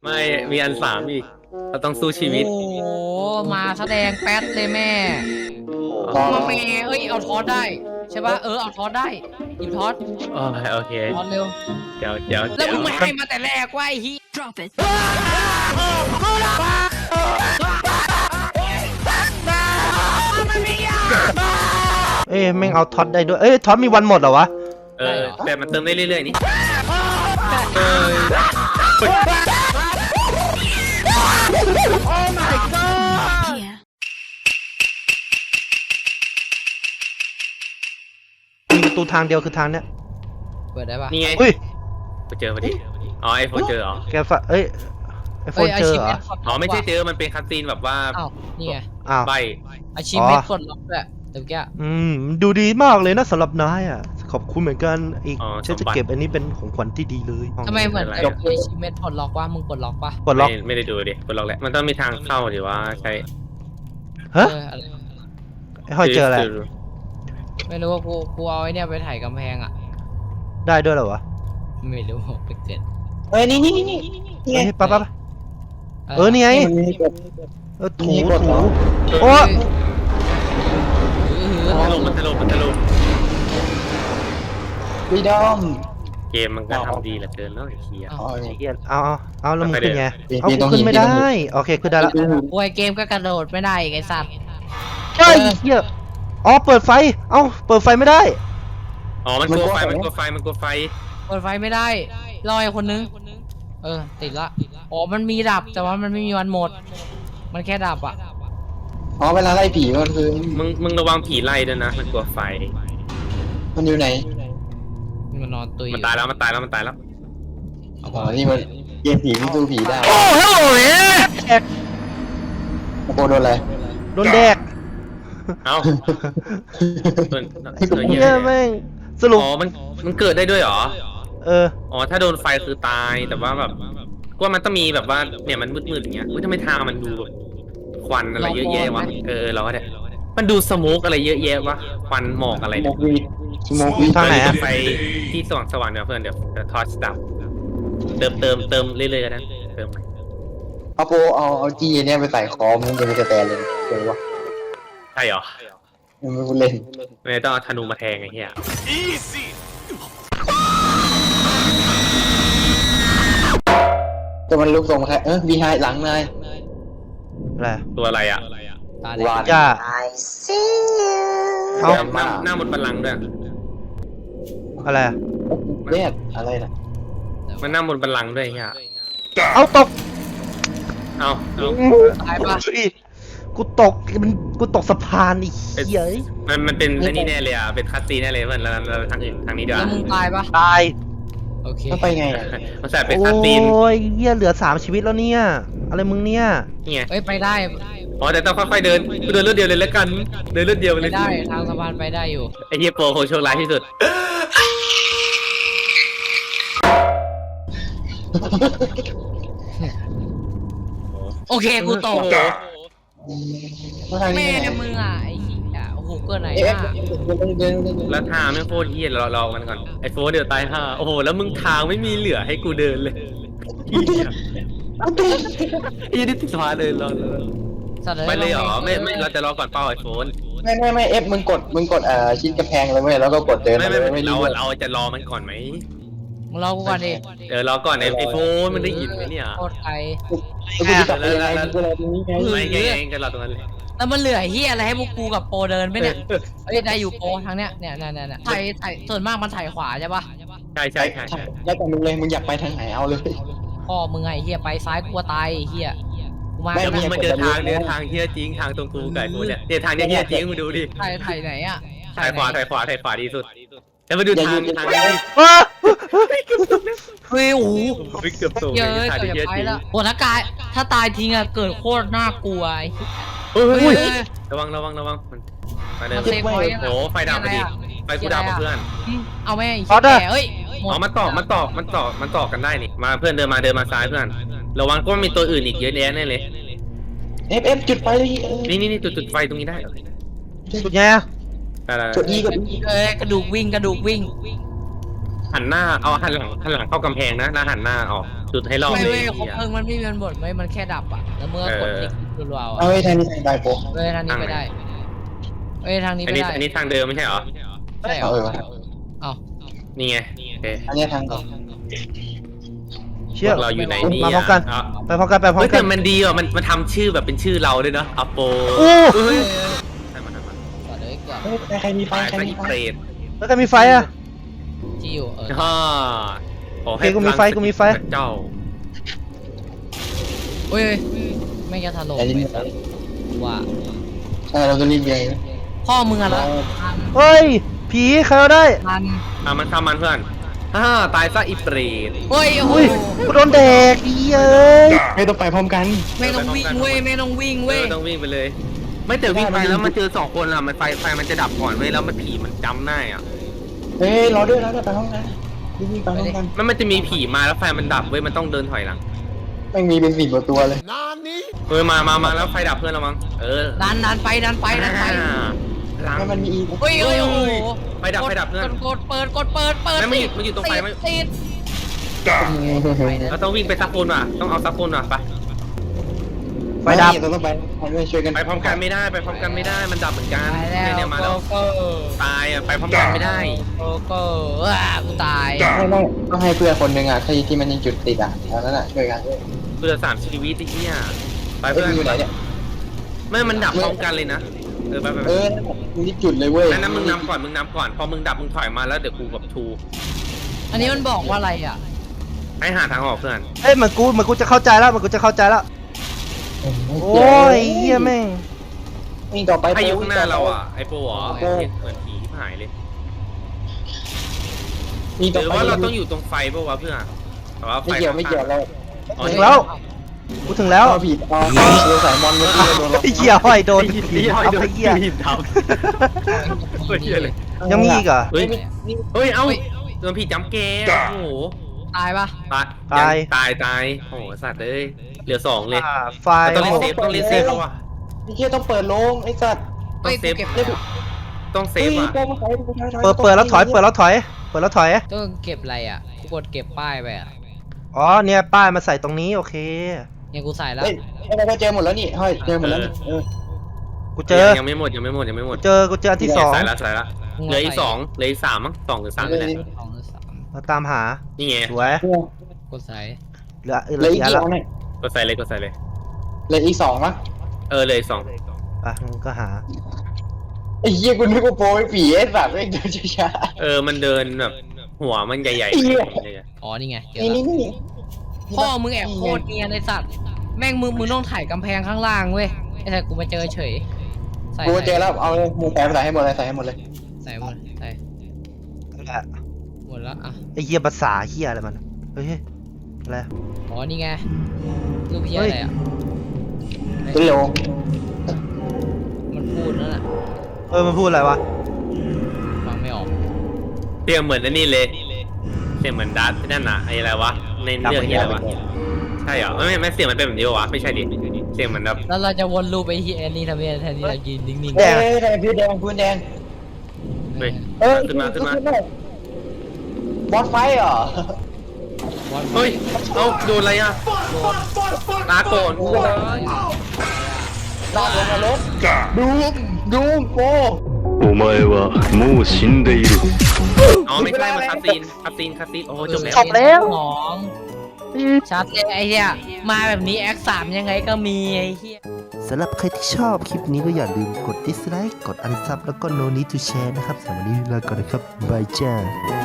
ไม่มีอันสามอีกเราต้องสู้ชีวิตโอ้โหมาแสดงแป๊ดเลยแม่อ๋อมาแม่เอ้ยเอาทอสได้ใช่ปะเอาทอสได้หยิบทอสโอเคทอสเร็วเดี๋ยวแล้วมึงไม่ให้มาแต่แรกว่าไอ้ฮี Drop it. แม่งเอาท็อตได้ด้วยท็อตมีวันหมดเหรอวะแต่มันเติมได้เรื่อยๆนี่เออ Here. มีประตูทางเดียวคือทางเนี้ยเปิดได้ปะนี่ไงอุ้ยไปเจอพอดีอ๋อไอโฟนเจอเหรอแกฝะไอโฟนเจอเหรออ๋อไม่ใช่เจอมันเป็นคัสซีนแบบว่าอ้าวนี่ไงอ้าวใบอาชีพเม็ดกดล็อกด้วยเดี๋ยวแกดูดีมากเลยนะสำหรับนายอ่ะขอบคุณเหมือนกันอีกอ๋อฉันจะสมบัติเก็บอันนี้เป็นของขวัญที่ดีเลยทำไมเหมือนอะไรกับอาชีพเม็ดกดล็อกว่ามึงกดล็อกปะกดล็อกไม่ได้ดูดิกดล็อกแหละมันต้องมีทางเข้าหรือว่าใช้ฮะอะไรไอห้อยเจออะไรไม่รู้ว่ากูเอาไอ้เนี่ยไปถ่ายกำแพงอ่ะได้ด้วยเหรอวะไม่รู้ไปเกิดนี่ไงปั๊บนี่ไงถูโอ้โอ้มันถล่มวีดอมเกมมันก็ทำดีเหลือเกินแล้วไอ้เหี้ยเอาแล้วมึงขึ้นไงปีกูขึ้นไม่ได้โอเคขึ้นได้แล้วป่วยเกมก็กระโดดไม่ได้อีกไอ้สัตว์เฮ้ยเฮียเปิดไฟเปิดไฟไม่ได้อ๋อมันกลัวไฟมันกลัวไฟเปิดไฟไม่ได้รออีกคนนึงติดละอ๋อมันมีดับแต่ว่ามันไม่มีวันหมด มันแค่ดับอ่ะอ๋อเวลาไล่ผีมันคือมึงระวังผีไล่ด้วยนะมันกลัวไฟมันอยู่ไหนมันนอนตุยมันตายแล้วอ๋อนี่มันเกมผีมันดูผีได้โอ้ฮัลโหลแอกโอ้โหโดนอะไรโดนแดกเอ้าตัวเฮีเหี้ยยแม่งสรุปอ๋อมันเกิดได้ด้วยเหรอ อ๋อถ้าโดนไฟคือตายแต่ว่าแบบว่ามันต้องมีแบบว่าเนี่ยมันมืดๆอย่างเงี้ยทำไมทางมันดูแบบควันอะไรเยอะแยะวะเราก็ได้มันดูสโมกอะไรเยอะแยะวะควันหมอกอะไรโมเนี่ยกวีโมกวีทางไหนอะไฟที่สว่างเดี๋ยวเพื่อนเดี๋ยวทอร์ชดับเติมเรื่อยๆกันนะเติมเอาโปเอาจีเนี่ยไปใส่คอมันจะมีกระแตเลยเจ๋งวะใช่เหรอมันไม่พูดเล่นไม่ต้องเอาธนูมาแทงไอ้เหี้ยแต่มันลุกทรงแค่บีไฮหลังนายอะไรตัวอะไรอ่ะตาวานจ้าหเอาน้าบนบัลลังก์ด้วยอะไรเรียกอะไรนะมันนั่งบนบัลลังก์ด้วยไอ้เหี้ยเอาตกเอาตายปะกูตกสะพานอีกเหี้ยมันเป็นอันนี้แน่เลยอ่ะเป็นคัสซีนแน่เลยเพื่อนเราทางอื่นทางนี้ดีกแล้ว่าวมึงตายปะตายโอเคต้องไปไงอะมันใส่เป็นโอ้คัสซีนยเหี้ยเหลือ3ชีวิตแล้วเนี่ยอะไรมึงเนี่ยนี่ไงไปได้อ๋อแต่ต้องค่อยๆเดินกูเดินเลือดเดียวเลยแล้วกันเดินเลือดเดียวไปเลยได้ทางสะพานไปได้อยู่ไอ้เหี้ยโปรคงโชคร้ายที่สุดโอเคกูตกทางแม่นี้เนี่ยมึงอ่ะไอ้เหี้ยโอ้โหเกินไหนเอ๊ะอ่ะเดินแล้วทางไม่โคตรเหี้ยเรามันก่อนไอ้โฟนเดี๋ยวตายห่าโอ้โหแล้วมึงทางไม่มีเหลือให้กูเดินเลยเหี้ยไอ้เหี้ยนี่ติดสะพานเลยรอสัตว์ไปเลยเหรอไม่เราจะรอก่อนเป้าไอ้โฟนไม่เอฟมึงกดชิดกระแพงเลยเว้ยแล้วก็กดเดินไม่รู้เราจะรอมันก่อนไหมมึงรอกูก่อนดิรอก่อนไอ้โฟนมันได้ยินไหมเนี่ยโคตรไกลกูจะกลับไปยังไงกูรอตรงนี้ไงไม่ไงกันรอตรงนั้นเลยแล้วมันเหลือเฮียอะไรให้พวกกูกับโปรเดินไหมเนี่ยเอ้ยได้อยู่โปรทางเนี้ยเนี่ยถ่ายส่วนมากมันถ่ายขวาใช่ปะใช่แล้วแต่มึงเลยมึงอยากไปทางไหนเอาเลยพ่อมึงไงเฮียไปซ้ายกลัวตายเฮียกูมาไม่แล้วมึงมาเจอทางเฮียจริงทางตรงกูไก่กูเนี่ยทางเนี้ยเฮียจริงมึงดูดิถ่ายไหนอ่ะถ่ายขวาดีสุดแล้วมาดูทางนี้อ้าเฮ้ยโอ้โหเกือบสูงเยอะทางเกือบเฮียจะไปจริงแล้วโหถ้าตายทิ้งอะเกิดโคตรน่ากลัวเฮ้เฮ้ยยระวังมาเดิมัน นเซฟไว้ยังโอ้ไฟดับพอดีไฟกูดับเพื่อนเอาแม่อีกแก่เอ้ยอ๋อมันต่อกันได้นี่มาเพื่อนเดินมาซ้ายเพื่อนระวังก็มีตัวอื่นอีกเยอะแยะแน่เลยเอฟจุดไฟเลยนี่จุดไฟตรงนี้ได้สุดแย่จุดอีกับกระดูกวิ่งหันหน้าเอาหันหลังเข้ากำแพงนะหันหน้าออกจุดให้รอบไม่เลยเว้ยคบเพลิงมันไม่มีมันบดไม่มันแค่ดับอ่ะแล้วเมื่อกดติ๊กรัวๆเอาไว้ทางนี้ได้โปเว้ยทางนี้ไปได้เว้ยทางนี้อันไปนี้ได้อันนี้ทางเดิมไม่ใช่เหรอใช่เหรอ เอ้านี่ไงโอเคอันนี้ทางออกเชี่ยเราอยู่ไหนนี่มาพร้อมกันอ่ะไปพร้อมกันไปพร้อเฮ้มยกัแต่นมันดีอ่ะมันทำชื่อแบบเป็นชื่อเราด้วยเนาะอโปโอ้เฮ้ยเใช่มันก่อนเลยก่อนเฮ้ยใครมีไฟตายใครไปมีอีไฟเปรตแล้วก็มีไฟอ่ะที่อยู่ฮ่าขอให้โอเคกูมีไฟกูมีไฟเจ้าเฮ้ยไม่จะถล่มไปสัตว์ว่าใช่เราจะรีบเองพ่อมึงอะละเฮ้ยผีใครเอาได้ทันมันทำมันเพื่อนฮ่าตายซะอีเปรตเฮ้ยโอ้อุ้ยยกูโดนแดกอีเอ้ยไม่ต้องไปพร้อมกันไม่ต้องวิ่งเว้ยไม่ต้องวิ่งเว้ยต้องวิ่งไปเลย ไม่แต่วิ่งไปแล้วมันเจอ2 คนอ่ะมันไฟมันจะดับก่อนเว้ยแล้วมันผีมันจำได้อ่ะเฮ้ยรอด้วยไปพร้อมกันรีบไปพร้อมกันมันจะมีผีมาแล้วไฟมันดับเว้ยมันต้องเดินถอยหลังไม่มีเป็น10 กว่าตัวเลยเฮ้ยมาแล้วไฟดับเพื่อนเรามั้งดันไปหลังแล้วมันมีอีกเฮ้ยโอ้โหไฟดับเพื่อนกดเปิดไม่มันอยู่ตรงไฟไม่ติดเราต้องวิ่งไปซักคนว่ะต้องเอาซักคนว่ะไปไฟดับเราต้องไปช่วยกันไปพร้อมกันไม่ได้มันดับเหมือนกันตายแล้วเนี่ยมาแล้วก็ตายอ่ะไปพร้อมกันไม่ได้ก็กูตายไม่ต้องให้เพื่อนคนหนึ่งอ่ะที่มันยังจุดติดอ่ะตอนนั้นอ่ะช่วยกันเพื่อ3 ชีวิตไอ้เหี้ยไปเพื่เพื่ออน นอยู่ไหนเนี่ยไม่มันดับพร้อมกันเลยนะไปมึงที่จุดเลยเว้ยนั้นมึงนำก่อนพอมึงดับมึงถอยมาแล้วเดี๋ยวกูแบบทูอันนี้มันบอกว่าอะไรอ่ะให้หาทางออกเพื่อนเอ้ยเหมือนกูจะเข้าใจแล้วเหมือนกูจะเข้าใจแล้วโอ้ยเฮียแม่งนี่ต่อไปให้อยู่ข้างหน้าเราอ่ะไอ้โปอ๋อเหมือนผีที่หายเลยนี่หต่อรือไปว่าเราต้องอยู่ตรงไฟป่าวะเพื่อนแต่ว่าไฟไม่เกี่ยวเราอ๋อถึงแล้วกูถึงแล้วเอาผิดเอาเราสายมอนเมื่อกี้โดนเราไอ้เหี้ยห้อยโดนผีทับไอ้เหี้ยทับเหี้ยเลยยังมีอีกเหรอเฮ้ยเอ้าโดนผีจำแกโอ้โหตายปะตายโอ้โหสัตว์เลยเหลือ2เลยไฟต้องเล่นเซฟแล้วว่ะไอ้เหี้ยต้องเปิดโรงไอ้สัตว์ต้องเซฟเก็บต้องเซฟอ่ะเปิดแล้วถอยเปิดแล้วถอยต้องเก็บอะไรอ่ะกูกดเก็บป้ายไปอ่ะอ๋อเนี่ยป้ายมาใส่ตรงนี้โอเคเนี่ยกูใส่แล้วเฮ้ยเราเจอหมดแล้วนี่เฮ้ยเจอหมดแล้วนี่กูเจอยังไม่หมดกูเจออันที่ 2 ใส่ละเหลืออีก2เหลืออีก3มั้ง2 หรือ 3นี่แหละ 2 หรือ 3 มาตามหานี่ไงสวยกดใส่เหลือเหลืออีกกี่กี่แล้วอันเนี่ยก็ใส่เลยเหลืออีก2มั้งเหลืออีก2 อ่ะมึงก็หาไอ้เหี้ยกูนึกว่าโปรไอ้ผีไอ้สัตว์ไม่เดินช้ามันเดินแบบหัวมันใหญ่อ๋อนี่ไงเจๆอนี่แล้วนี่พ่อมึงแอบโคตรเนียนไอ้สัตว์แม่งมึงต้องถ่ายกำแพงข้างล่างเว้ยไอ้แต่กูมาเจอเฉยใส่กูเจอแล้วเอาเลยมึงแปลภาษาให้หมดเลยใส่ให้หมดเลยใส่หมดใส่นั่นแหละหมดแล้วอ่ะไอ้เหี้ยภาษาเหี้ยอะไรมันเฮ้ยอะไรอ๋อนี่ไงรูปเพี้ยอะไรอ่ะเป็นโลมันพูดนั่นแหละมันพูดอะไรวะฟังไม่ออกเสียงเหมือนนี่เลยเสียงเหมือนดัตที่นั่นน่ะไอ้อะไรวะในเรื่องนี้อะไรวะใช่เหรอไม่เสียงมันเป็นแบบนี้วะไม่ใช่ดิเสียงเหมือนแบบแล้วเราจะวนรูปไปที่แอนนี่ทำไมแทนที่เรายืนนิ่งๆเอ้ยพื้นแดงพื้นแดงเฮ้ย ขึ้นมาบอสไฟเหรอเฮ้ยโดนอะไรอ่ะตาโกนลากลงมาลบดูมโปお前はもう死んでいる。 อ๋อไม่ใช่มันคาซีนโอ้จบแล้วจบแล้วของชัดเลยไอ้เหี้ยมาแบบนี้แอค3ยังไงก็มีไอ้เหี้ยสำหรับใครที่ชอบคลิปนี้ก็อย่าลืมกด dislike กด unsub แล้วก็ no need to share นะครับสำหรับวันนี้ลาก่อนนะครับบายจ้า